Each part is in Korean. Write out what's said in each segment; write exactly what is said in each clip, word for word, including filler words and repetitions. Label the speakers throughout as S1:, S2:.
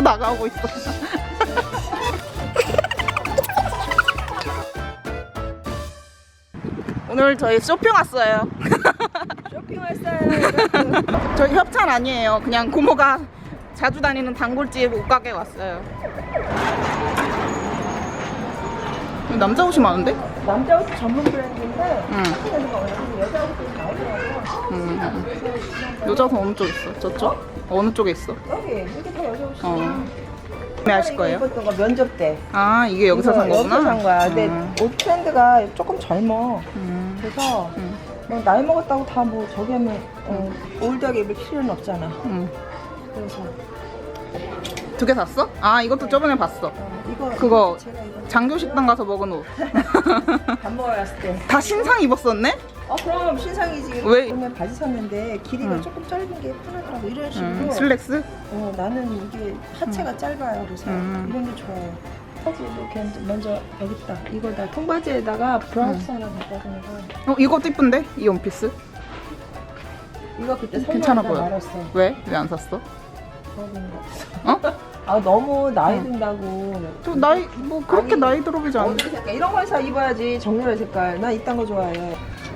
S1: 자꾸 나가고 있어. 오늘 저희 쇼핑 왔어요.
S2: 쇼핑 왔어요.
S1: 저희 협찬 아니에요. 그냥 고모가 자주 다니는 단골집 옷가게 왔어요. 남자 옷이 많은데?
S2: 남자 옷 전문 브랜드인데
S1: 응.
S2: 여자 옷도 나오더라고.
S1: 음. 여자 옷은 어느 쪽에 있어? 저쪽? 어느 쪽에 있어?
S2: 여기 이게 다 여자 옷이야.
S1: 어. 구매하실 거예요?
S2: 입었던 거 면접 때.
S1: 아, 이게 여기서 산 거구나?
S2: 여기서 산 거야. 근데
S1: 음.
S2: 옷 트렌드가 조금 젊어.
S1: 음.
S2: 그래서
S1: 음.
S2: 뭐 나이 먹었다고 다 뭐 저기 하면 어, 올드하게 입을 필요는 없잖아.
S1: 음.
S2: 그래서
S1: 두 개 샀어? 아, 이것도 저번에 봤어.
S2: 어, 이거
S1: 그거
S2: 제가 이거
S1: 장교식당 가서 먹은 옷.
S2: 밥 먹으러 갔을 때.
S1: 다 신상 입었었네?
S2: 어 그럼 신상이지.
S1: 왜?
S2: 그러면 바지 샀는데 길이가
S1: 응.
S2: 조금 짧은 게 편하더라고. 이런 식으로.
S1: 음, 슬랙스?
S2: 어 나는 이게 하체가 짧아요. 그래서
S1: 음.
S2: 이런 게 좋아요. 바지 이렇게 먼저 여기 있다. 이거 다 통바지에다가 브라우스 하나 바꿔주는 거.
S1: 어, 이것도 이쁜데? 이 원피스?
S2: 이거 그때
S1: 괜찮아
S2: 선물하다
S1: 보여.
S2: 말았어.
S1: 왜? 왜 안 샀어?
S2: 그러는 거 없어.
S1: 어?
S2: 아 너무 나이
S1: 응.
S2: 든다고.
S1: 저 나이, 뭐 그렇게
S2: 아니,
S1: 나이 들어 보이지 않아.
S2: 어디 색깔 이런 걸 사 입어야지. 정렬의 색깔. 난 이딴 거 좋아해.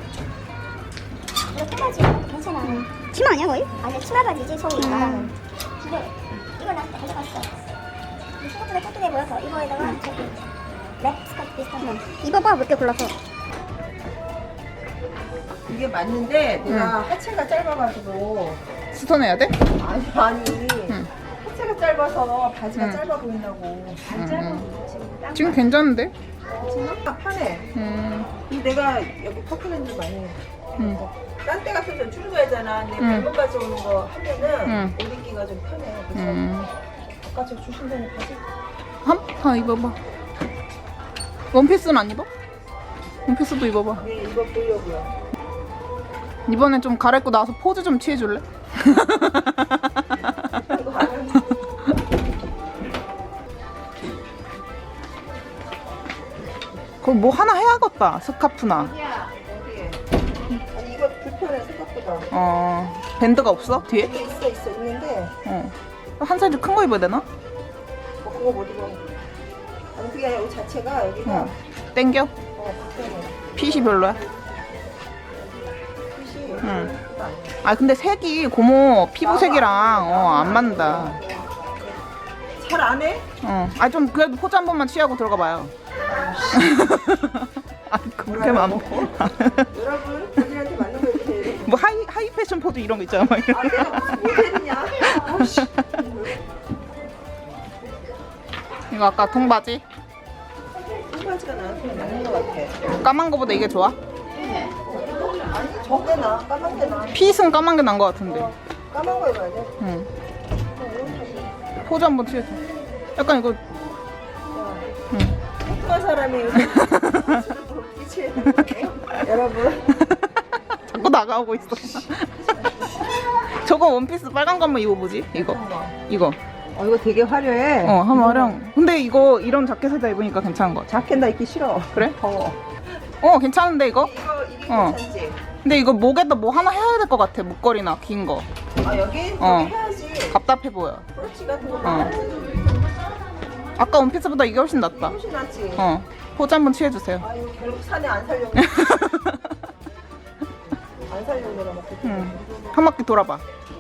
S3: 이거 통바지 괜찮아. 치마 아니야 거의? 아니야 치마 바지지 소리가. 음. 이거 이거 나 가져갔어. 이 생각보다 깨끗해 보여서 이거에다가 저기 랩 스커트 비슷한 거. 입어봐 몇 개 골라서.
S2: 이게 맞는데 내가 하체가 짧아가지고.
S1: 수선해야 돼?
S2: 아니 아니.
S1: 응.
S2: 하체가 짧아서 바지가
S1: 응.
S2: 짧아 보인다고. 안
S1: 응,
S2: 짧아
S1: 응.
S2: 보여 지금. 딱
S1: 지금 괜찮은데?
S2: 지금 편해.
S1: 음.
S2: 근데 내가 여기 퍼플랜드 많이 해.
S1: 음.
S2: 딴 때 같아서 줄여야잖아. 근데
S1: 응.
S2: 벨벳 바지 오는 거 하면은
S1: 응.
S2: 옷 입기가 좀 편해. 그래서
S1: 음.
S2: 아까 저 주신다는 바지.
S1: 한, 한 입어봐. 원피스는 안 입어? 원피스도 입어봐.
S2: 네, 이거 보려고요.
S1: 이번엔 좀 갈아입고 나와서 포즈 좀 취해줄래?
S2: 이거 하면
S1: 그럼 뭐 하나 해야겠다. 스카프나.
S2: 어디에? 아니 이거 불편해 생각보다.
S1: 어. 밴드가 없어? 뒤에?
S2: 이게 있어 있어 있는데
S1: 어. 한 사이즈 큰 거 입어야 되나?
S2: 뭐 그거 못 입어. 아니 그게 아니라 옷 자체가 여기가
S1: 어. 땡겨?
S2: 어 불편해.
S1: 핏이 별로야?
S2: 핏이
S1: 응.
S2: 그거 아니야.
S1: 아 근데 색이 고모 피부색이랑 어, 안 맞는다.
S2: 잘 안 해?
S1: 어. 아 좀 그래도 포즈 한 번만 취하고 들어가 봐요. 아 그렇게 많어.
S2: 여러분 본인한테 맞는 거 해주세요.
S1: 뭐 하이 하이 패션 포즈 이런 거 있잖아. 막 이런.
S2: 아 내가 무슨 모델이냐? 아우씨.
S1: 이거 아까 통바지?
S2: 통바지가 나한테 맞는 거 같아.
S1: 까만 거보다 이게 좋아?
S2: 아니 저게 나 까만 게 나.
S1: 핏은 까만 게 난 거 같은데.
S2: 어, 까만 거 입어야 돼.
S1: 응. 포즈 한번 취해줘. 약간 이거. 응.
S2: 똑똑한 사람이 요새 그치? 여러분
S1: 자꾸 나가고 있어. 저거 원피스 빨간 거 한번 입어보지? 이거. 이거.
S2: 어 이거 되게 화려해.
S1: 어, 한번 활용. 근데 이거 이런 자켓에다 입으니까 괜찮은 거 같아.
S2: 자켓 나 입기 싫어.
S1: 그래?
S2: 더워.
S1: 어, 괜찮은데 이거?
S2: 이거 이게
S1: 어.
S2: 괜찮지?
S1: 근데 이거 목에다 뭐 하나 해야 될 것 같아. 목걸이나 긴 거.
S2: 아 여기?
S1: 어.
S2: 여기 해야지.
S1: 답답해 보여.
S2: 브로치 같은 거
S1: 어.
S2: 해야지.
S1: 아까 원피스보다 이게 훨씬 낫다.
S2: 훨씬 낫지.
S1: 어. 포즈 한번 취해주세요.
S2: 아유 결국 산에 안 살려고. 안 살려고 내가 막 그렇게.
S1: 응. 한 바퀴 돌아봐.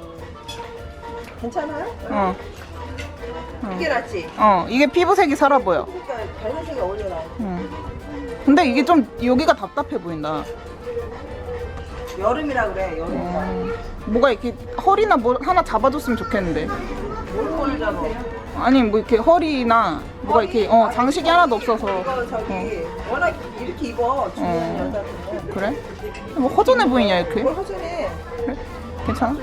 S2: 괜찮아요?
S1: 어.
S2: 이게 낫지?
S1: 어, 이게 피부색이 살아 보여.
S2: 그러니까 발색이 어울려라.
S1: 응. 근데 이게 좀 여기가 답답해 보인다.
S2: 여름이라 그래 여름이라.
S1: 어. 뭐가 이렇게 허리나 뭐 하나 잡아줬으면 좋겠는데.
S2: 뭘 걸리잖아.
S1: 아니 뭐 이렇게 허리나 뭐가 이렇게 어 장식이 하나도 없어서.
S2: 이거 저기 워낙 이렇게 입어 중요한
S1: 어.
S2: 여자들은.
S1: 그래? 뭐 허전해 보이냐 이렇게?
S2: 뭘 허전해.
S1: 그래? 괜찮아?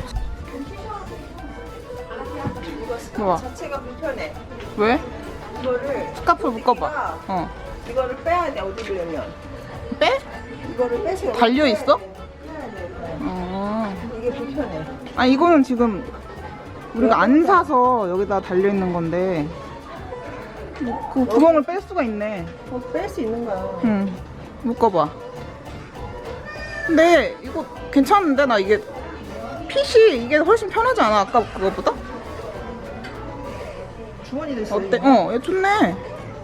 S2: 이거 스카프
S1: 좋아.
S2: 자체가 불편해.
S1: 왜?
S2: 이거를
S1: 스카프 묶어봐. 어.
S2: 이거를 빼야 돼 어디 입으려면.
S1: 빼?
S2: 이거를 빼서 여기
S1: 달려
S2: 빼야
S1: 있어?
S2: 돼. 빼야 돼.
S1: 어.
S2: 이게 불편해.
S1: 아 이거는 지금 우리가 안 사서 여기다 달려 있는 건데. 뭐, 그 구멍을 뺄 수가 있네.
S2: 어, 뺄 수 있는 거야.
S1: 응. 묶어봐. 근데 이거 괜찮은데 나 이게 핏이 이게 훨씬 편하지 않아 아까 그거보다?
S2: 주머니도 있어.
S1: 어때? 어, 얘 좋네.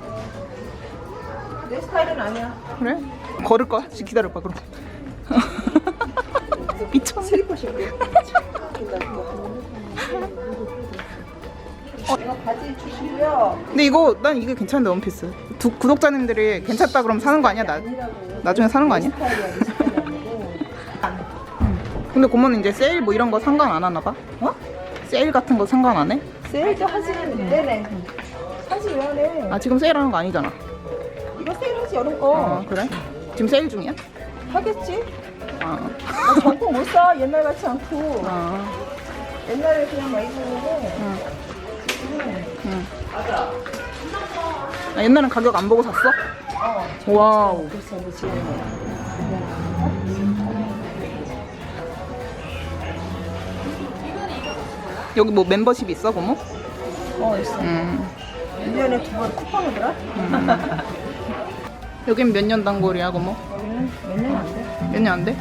S2: 내 스타일은 아니야.
S1: 그래? 걸을 거야? 지금 기다려봐 그럼. 미쳤네.
S2: 슬리퍼 신고. 어, 이거 바지 주시고요.
S1: 근데 이거 난 이게 괜찮은데 원피스. 두, 구독자님들이 괜찮다 그러면 사는 거 아니야? 나 나중에 사는 거 아니야?
S2: 스타일이야, 내 스타일이 아니고.
S1: 근데 고모는 이제 세일 뭐 이런 거 상관 안 하나 봐?
S2: 어?
S1: 세일 같은 거 상관 안 해?
S2: 세일도 하지는 네네. 하지 왜 안 해?
S1: 아 지금 세일하는 거 아니잖아.
S2: 이거 세일하지 여름 거.
S1: 아 그래? 지금 세일 중이야?
S2: 하겠지?
S1: 아.
S2: 나 정품 못 사. 옛날 같지 않고.
S1: 아.
S2: 옛날에 그냥 많이 샀는데.
S1: 응.
S2: 지금은
S1: 응. 아, 옛날엔 가격 안 보고 샀어?
S2: 어.
S1: 와우.
S2: 그래서 뭐 지금
S1: 여기 뭐 멤버십 있어 고모?
S2: 어 있어.
S1: 음.
S2: 일 년에 두 번 쿠폰 오더라?
S1: 여긴 몇 년 단골이야 고모?
S2: 여기는 몇 년 안 돼.
S1: 몇 년 안 돼?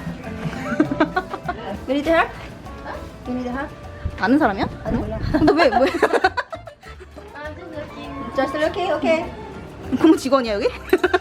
S3: You need help? You need help?
S1: 아는 사람이야?
S3: 아니 몰라.
S1: 근데 왜 왜?
S3: Just looking, okay.
S1: 고모 직원이야 여기?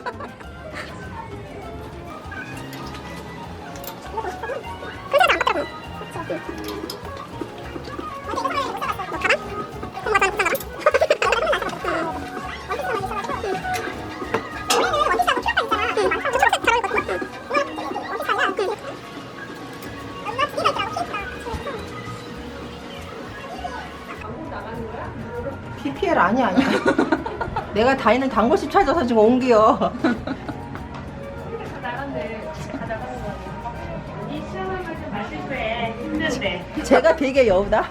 S2: 피피엘 아니야 아니야. 내가 다니는 단골집 찾아서 지금 옮겨. 제가 되게 여우다.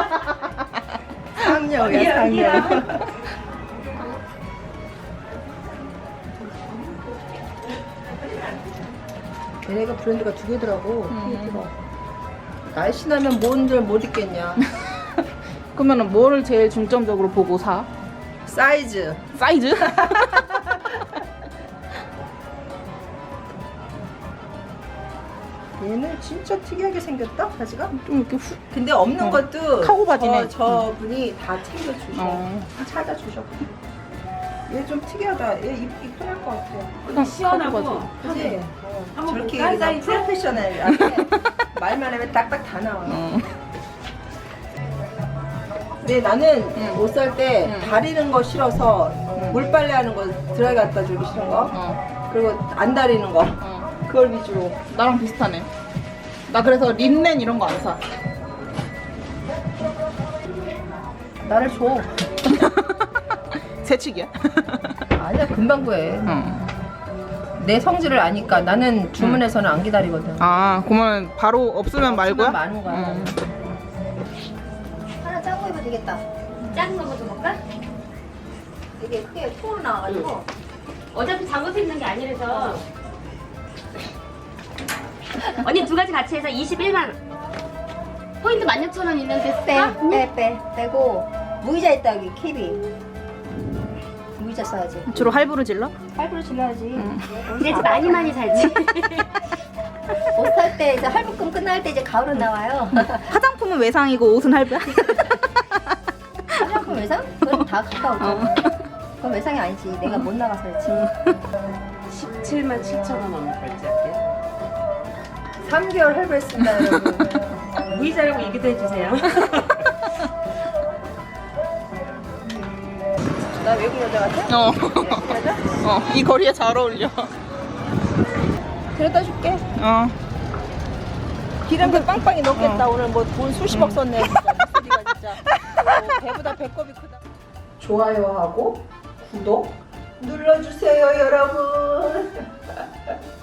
S2: 상여우야 상여우. 얘네가 브랜드가 두 개더라고.
S1: 음.
S2: 날씬하면 뭔들 못 입겠냐.
S1: 그러면은 뭐를 제일 중점적으로 보고 사?
S2: 사이즈.
S1: 사이즈?
S2: 얘는 진짜 특이하게 생겼다 바지가.
S1: 좀 이렇게 후.
S2: 근데 없는
S1: 어,
S2: 것도
S1: 카고 바지네.
S2: 저, 저 분이 다 챙겨주셔.
S1: 어.
S2: 찾아주셔. 얘 좀 특이하다. 얘 입기 편할 것 같아.
S1: 그냥
S4: 시원하고.
S1: 카고 바지.
S2: 그지?
S4: 한번
S2: 저렇게
S4: 볼까?
S2: 그냥
S4: 사이즈?
S2: 프로페셔널. 말만 하면 딱딱 다 나와.
S1: 어.
S2: 근데 나는
S1: 응.
S2: 옷 살 때
S1: 응.
S2: 다리는 거 싫어서 물빨래 하는 거 드라이 갖다 주기 싫은 거.
S1: 어.
S2: 그리고 안 다리는 거.
S1: 어.
S2: 그걸 위주로.
S1: 나랑 비슷하네. 나 그래서 린넨 이런 거 안 사.
S2: 나를 줘.
S1: 새치기야?
S2: 아니야 금방 구해.
S1: 어.
S2: 내 성질을 아니까 나는 주문해서는 안 기다리거든.
S1: 아, 그러면 바로 없으면 말고야?
S2: 없으면 많은 거야.
S1: 음.
S3: 하나 작은 거 입어도 되겠다. 작은 거 먼저 볼까? 이게 크게 통으로 나와가지고.
S4: 어차피 잠궈서 입는 게 아니라서. 언니 두 가지 같이 해서 이십일만 원. 포인트 만 육천 원 있는데
S3: 빼,
S4: 사?
S3: 빼, 빼, 빼고 무이자 있다 여기 캡이. 무이자 써야지.
S1: 주로 할부로 질러?
S3: 할부로 질러야지.
S4: 이제 많이 많이 살지.
S3: 옷 살 때 이제 할부금 끝날 때 이제 가을은 나와요.
S1: 화장품은 외상이고 옷은 할부야?
S3: 화장품 외상? 그건 다 가까우죠. 그건 외상이 아니지. 내가 못 나가서 그렇지.
S4: 십칠만 칠천 원 넘는 결제할게요.
S2: 삼 개월 할부했습니다 여러분.
S4: 무이자라고 얘기도 해주세요.
S2: 나 외국 여자 같아?
S1: 어.
S2: 외국 여자?
S1: 어, 이 거리에 잘 어울려.
S2: 그래다 줄게.
S1: 어.
S2: 기름도 빵빵히 넣겠다.
S1: 어.
S2: 오늘 뭐 돈 수십억 썼네. 진짜. 목소리가 진짜. 뭐 배보다 배꼽이 크다. 좋아요하고 구독 눌러주세요 여러분.